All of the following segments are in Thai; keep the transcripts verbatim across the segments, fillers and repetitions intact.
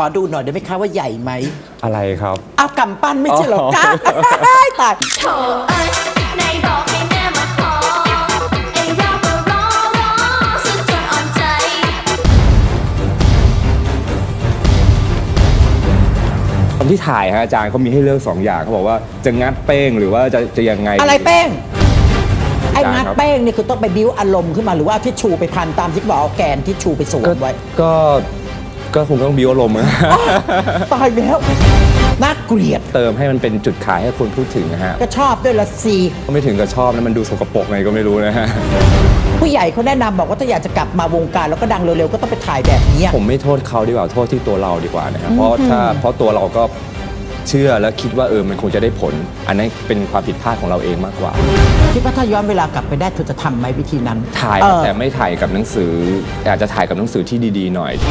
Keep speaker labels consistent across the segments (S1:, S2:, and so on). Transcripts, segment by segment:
S1: อดูหน่อยได้ไหมคะว่าใหญ่ไหม
S2: อะไรครับ
S1: เอากำปั้นไม่ใช่หรอก้าตายโถเอ้ยในบอกให้แม่มาขอไอ้เราก็รอรอสุดจนอ่อนใจ
S2: ตอนที่ถ่ายฮะอาจารย์เขามีให้เลือกสองอย่างเขาบอกว่าจะงัดเป้งหรือว่าจะจะยังไง
S1: อะไรเป้งไอ้งัดเป้งนี่คือต้องไปบิ้วอารมณ์ขึ้นมาหรือว่าที่ชูไปพันตามที่บอกเอาแกนที่ชูไปสวมไว้
S2: ก็ก็คงต้องบิ้วอารมณ์
S1: ตายแล้วน่าเกลียด
S2: เติมให้มันเป็นจุดขายให้คนพูดถึงนะฮะ
S1: ก็ชอบด้วยละสิ
S2: ก็ไม่ถึงกับชอบนะมันดูสกปรกไงก็ไม่รู้นะฮะ
S1: ผู้ใหญ่เขาแนะนำบอกว่าถ้าอยากจะกลับมาวงการแล้วก็ดังเร็วๆก็ต้องไปถ่ายแบบนี้
S2: ผมไม่โทษเขาดีกว่าโทษที่ตัวเราดีกว่านะครับเพราะถ้าเพราะตัวเราก็เชื่อและคิดว่าเออมันคงจะได้ผลอันนั้นเป็นความผิดพลาดของเราเองมากกว่า
S1: คิดว่าถ้าย้อนเวลากลับไปได้เธอจะทำไหมวิธีนั้น
S2: ถ่ายแต่ไม่ถ่ายกับหนังสืออาจจะถ่ายกับหนังสือที่ดีๆหน่อย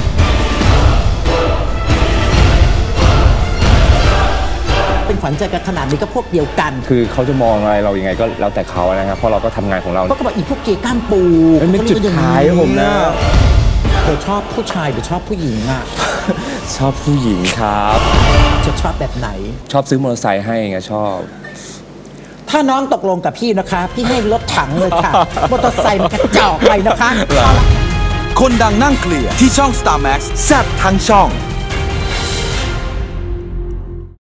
S1: เป็นขวัญใจกันขนาดนี้ก็พวกเดียวกัน
S2: คือเขาจะมองอะไรเรายังไงก็แล้วแต่เขานะครับเพราะเราก็ทำงานของเรา
S1: ก็บอกอีพวกเกย์ก้ามปู
S2: มันเป็นจุดขายผมนะ
S1: เธอชอบผู้ชายหรือชอบผู้หญิงอ่ะ
S2: ชอบผู้หญิงครับ
S1: จะชอบแบบไหน
S2: ชอบซื้อมอเตอร์ไซค์ให้ไงชอบ
S1: ถ้าน้องตกลงกับพี่นะคะพี่ให้รถถังเลยค่ะมอเตอร์ไซค์มันกระจอกไปนะคะ
S3: คนดังนั่งเคลียร์ที่ช่อง สตาร์ แม็กซ์ แซ่บทั้งช่อง